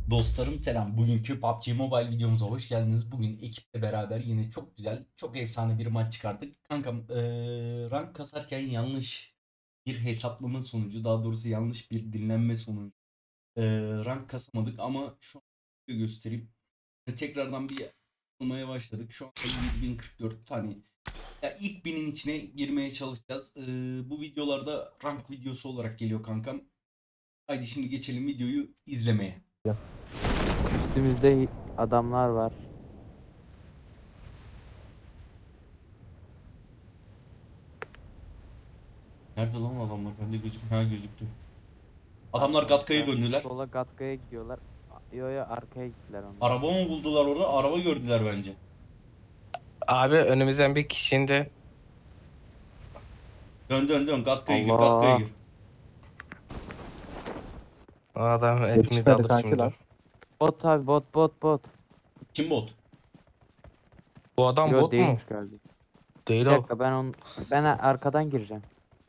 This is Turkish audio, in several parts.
Dostlarım selam. Bugünkü PUBG Mobile videomuza hoş geldiniz. Bugün ekiple beraber yine çok güzel, çok efsane bir maç çıkardık. Kankam rank kasarken yanlış bir hesaplama sonucu, daha doğrusu yanlış bir dinlenme sonucu rank kasamadık ama şu an göstereyim. Tekrardan bir atılmaya başladık. Şu anda 7044 tane. Ya ilk binin içine girmeye çalışacağız. Bu videolarda rank videosu olarak geliyor kankam. Haydi şimdi geçelim videoyu izlemeye. Üstümüzde adamlar var. Nerede lan adamlar? Bende gözükmüyor. Ha gözüktü. Adamlar Gatka'ya döndüler. Sola Gatka'ya gidiyorlar. Yo yo arkaya gittiler onlar. Araba mı buldular orada? Araba gördüler bence. Abi önümüzden bir kişinin de Dön dön dön. Gatka'ya gir. Gatka'ya Allah. gir. o adam hepimizi Yetişmedi alır kanki şimdi. lan. Bot abi bot. Kim bot? Bu adam Yo bot mu? değilmiş galiba. Değil Bir o. dakika ben arkadan gireceğim.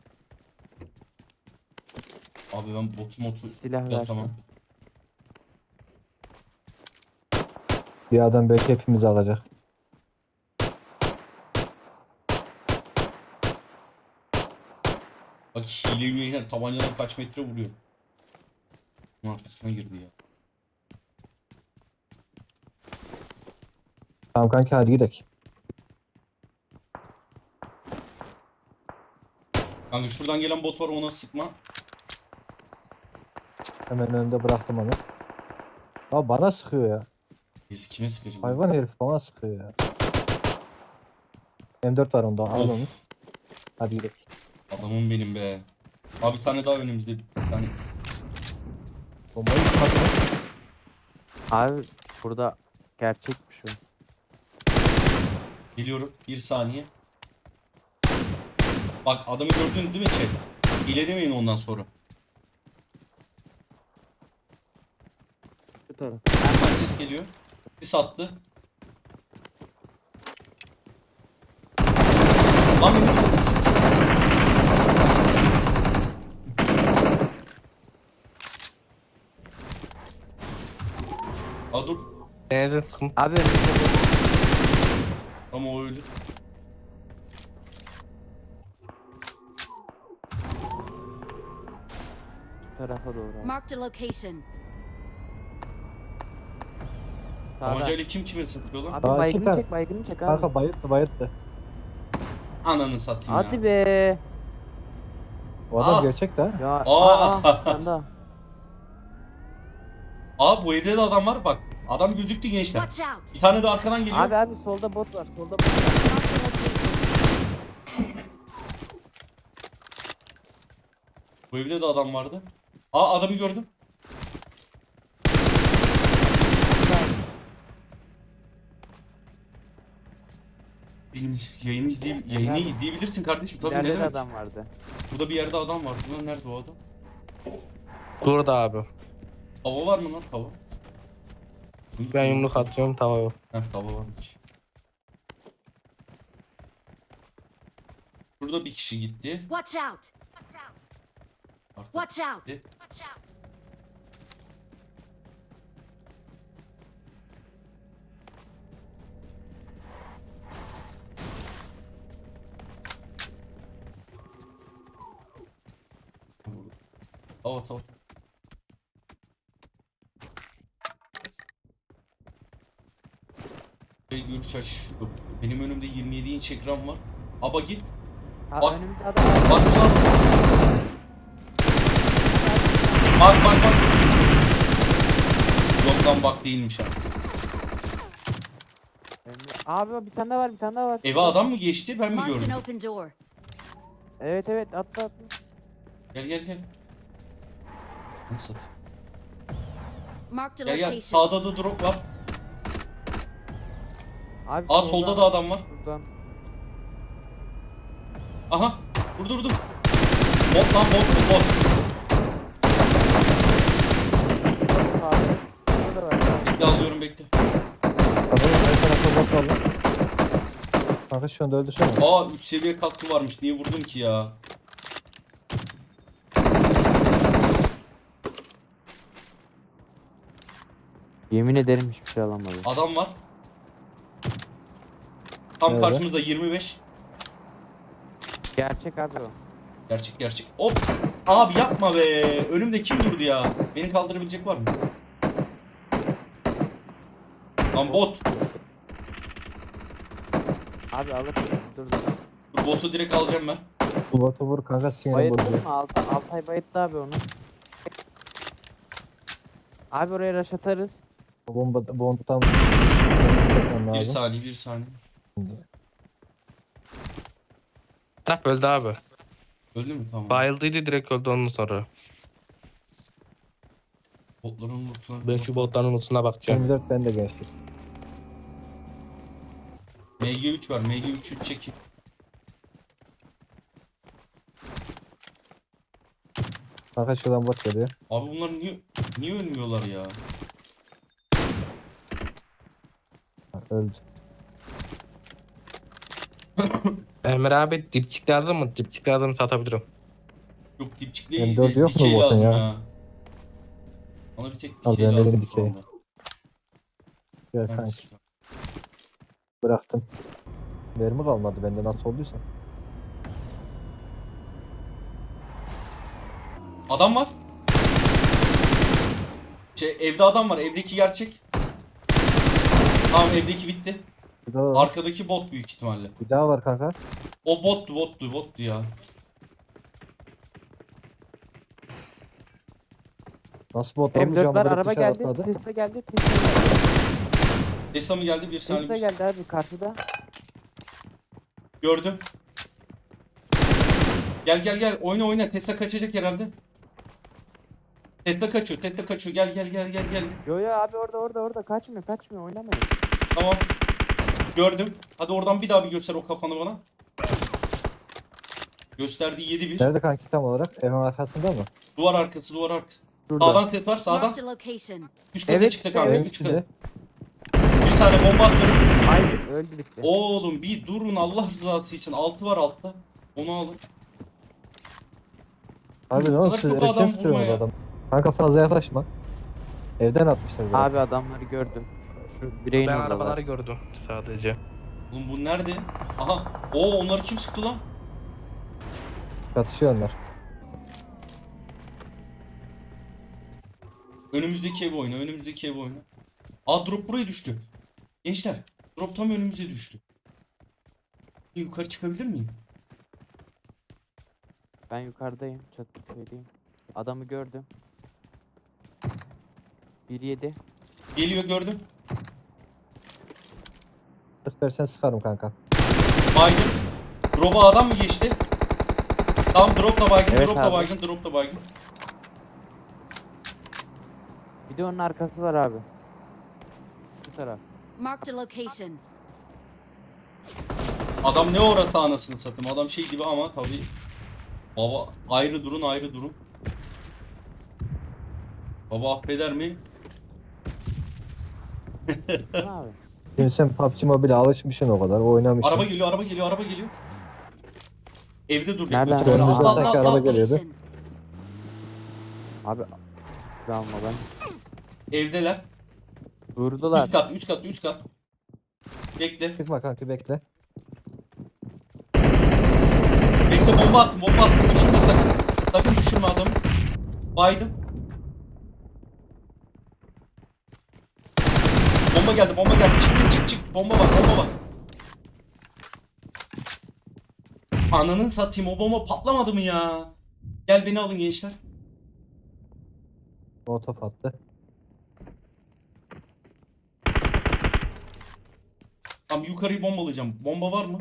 Abi ben botu Silah ya ver. tamam. Bir adam belki hepimizi alacak. Bak hile üyeler tabancadan kaç metre vuruyor. Bunun arkasına girdi ya. Tamam kanki hadi gidelim. Kanka şuradan gelen bot var, ona sıkma. Hemen önünde bıraktım onu. Ya bana sıkıyor ya. Biz kime sıkacağım? Hayvan herif bana sıkıyor ya. M4 var onda al onu. Of, Hadi gidelim. adamım benim be. Abi bir tane daha önümüzde. Bir tane. Bombayı tutmasın. Abi burada gerçekmiş o. Geliyorum. Bir saniye. Bak adamı gördünüz değil mi chat? Hile demeyin ondan sonra. Şu taraf. Hemen ses geliyor. Sis attı. Lan benim. Aa dur. Nerede sıkıntı? Abi önümüzde bot. Ama o öldü. Şu tarafa doğru. Abi. Marked a location. Sağda. Tabancayla kim kime sıkıyor lan? Abi Aa, iki tane. baygını çek abi. Kanka bayıttı. Ananı satayım Hadi ya. be. O adam Aa! gerçek de ha. Ya Aa! sen de. Aa bu evde de adam var bak. Adam gözüktü gençler. Watch out. Bir tane de arkadan geliyor. Abi solda bot var. Solda bot var. Marked a location. Bu evde de adam vardı. Aa adamı gördüm. Benim yayını izleyebilirsin kardeşim. Tabii ne İleride de demek. adam vardı. Burada bir yerde adam var. Ulan nerede o adam? Burada abi. Tava var mı lan tava? Ben yumruk atıyorum tavaya. Heh tava varmış. Burada bir kişi gitti. Watch out. Artık Watch out. gitti. Tava tava. Görüş aç. Benim önümde 27 inç ekran var. Aba git. Ha Bak. önümüzde adam var. Bak lan. Bak. Yok lan bak değilmiş ha. Abi bir tane daha var. Eve adam mı geçti ben mi Marked gördüm? an open door. Evet atla. Gel. Nasıl? Marked a Gel location. sağda da drop var. Abi Aa solda da adam var. Buradan. Aha dur. Bot lan bot. Burada da var. Bekle alıyorum bekle. Kanka her tarafta bot var lan. Kanka şu anda öldürsene. Aa 3 seviye katkı varmış, niye vurdum ki ya? Yemin ederim hiçbir şey alamadım. Adam var. Tam Nerede? karşımızda 25. Gerçek abi o. Gerçek gerçek. Hop. Abi yapma be. Önümde kim durdu ya? Beni kaldırabilecek var mı? Lan bot. Abi alırsın. Dur dur. Dur botu direkt alacağım ben. Bu botu vur kanka sinir Bayıttın bozuyor. mı? Altay bayıttı abi onu. Abi oraya rush atarız. Bomba tam Bir lazım. saniye bir saniye. Taraf öldü abi. Öldü mü? Tamam. Bayıldıydı direkt öldü ondan sonra. Botların lootuna. Ben şu botların ulusuna bakacağım. 24 ben de gençlik. MG3 var. MG3'ü çekin. Kanka şuradan bot geliyor. Abi bunlar niye ölmüyorlar ya? Ha, öldü. Emre abi dipçik lazım mı? Dipçik lazım satabilirim. Yok dipçik M4 değil. yok mu Dikey botun lazım ya? ya. Bana bir tek Al, dikey ben lazım dedim şu dikey. anda. Gel Evet. kanki. Bıraktım. Mermi kalmadı bende nasıl olduysa. Adam var. Evde adam var. Evdeki gerçek. Tamam evdeki bitti. Bir daha var. Arkadaki bot büyük ihtimalle. Bir daha var kanka. O bottu ya. Nasıl bot olmuş ya? M4'ler Böyle araba dışarı geldi. atladı. Tesla geldi. Tesla geldi. Tesla mı geldi? Bir saniye. Tesla geldi abi karşıda. Gördüm. Gel. Oyna. Tesla kaçacak herhalde. Tesla kaçıyor. Gel. Yo yo abi orada kaçmıyor oynamayın. Tamam. Gördüm. Hadi oradan bir daha bir göster o kafanı bana. Gösterdi 7-1. Nerede kanki tam olarak? Evin arkasında mı? Duvar arkası. Şurada. Sağdan ses var sağdan. Marked a location. Üst kata Evet, çıktı kanka. evet. Üst kata. Bir tane bomba atıyorum. Hayır öldü bitti. Oğlum bir durun Allah rızası için. 6 var altta. Onu alın. Abi ne Bu oldu kadar siz çok erken adam sıkıyorsunuz vurma ya. adam. Kanka fazla yaklaşma. Evden atmışlar beni. Abi adamları gördüm. Şu bireyin Ben oradalar. arabaları gördüm sadece. Oğlum bu nerede? Aha. Oo onları kim sıktı lan? Çatışıyor onlar. Önümüzdeki ev oyna. Aa drop buraya düştü. Gençler. Drop tam önümüze düştü. Yukarı çıkabilir miyim? Ben yukarıdayım. Çatı söyleyeyim. Adamı gördüm. 1-7. Geliyor gördüm. Sık dersen sıkarım kanka. Baygın. Drop'a adam mı geçti? Tamam drop da baygın, Evet drop da abi. baygın, drop da baygın. Bir de onun arkası var abi. Bu taraf. Marked a location. Adam ne orası anasını satayım. Adam şey gibi ama tabii. Baba ayrı durun. Baba affeder mi? Ne abi? Şimdi sen PUBG Mobile'e alışmışsın o kadar. Oynamışsın. Araba geliyor. Evde dur. Nereden? Lütfen. Önümüzden Atla, sanki atla, araba atla. geliyordu. Location. Abi almadan. Evdeler. Durdular. Üst kat. Bekle. Çıkma kanki bekle. Bekle bomba attım. Düşürme sakın. Sakın düşürme adamı. Baydım. Bomba geldi. Çık. Bomba var. Ananın satayım o bomba patlamadı mı ya? Gel beni alın gençler. Molotof attı. Tamam yukarıyı bombalayacağım. Bomba var mı?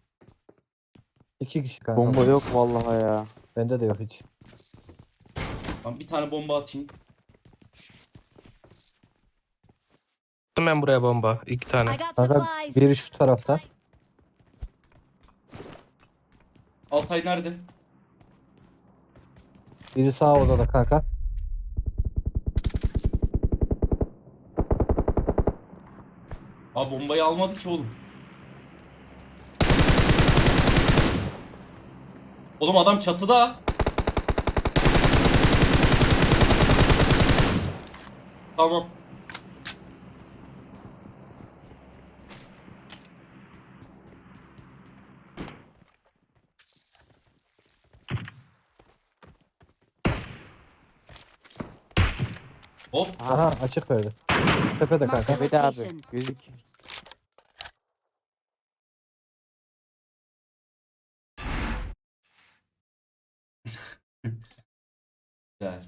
2 kişi kanka. Bomba yok vallahi ya. Bende de yok hiç. Tamam bir tane bomba atayım. Attım ben buraya bomba. 2 tane. I got Kanka supplies. biri şu tarafta. Altay nerede? Biri sağ odada kanka. Abi bombayı almadı ki oğlum. Oğlum adam çatıda. Tamam. Hop. Aha açık verdi. Tepede Mark kanka. Bir de abi. Location. Gözük. Güzel.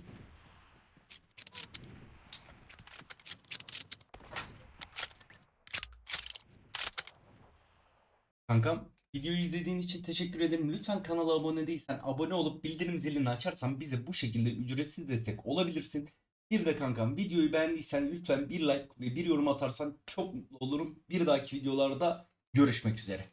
Kankam, videoyu izlediğin için teşekkür ederim. Lütfen kanala abone değilsen abone olup bildirim zilini açarsan bize bu şekilde ücretsiz destek olabilirsin. Bir de kankam, videoyu beğendiysen lütfen bir like ve bir yorum atarsan çok mutlu olurum. Bir dahaki videolarda görüşmek üzere.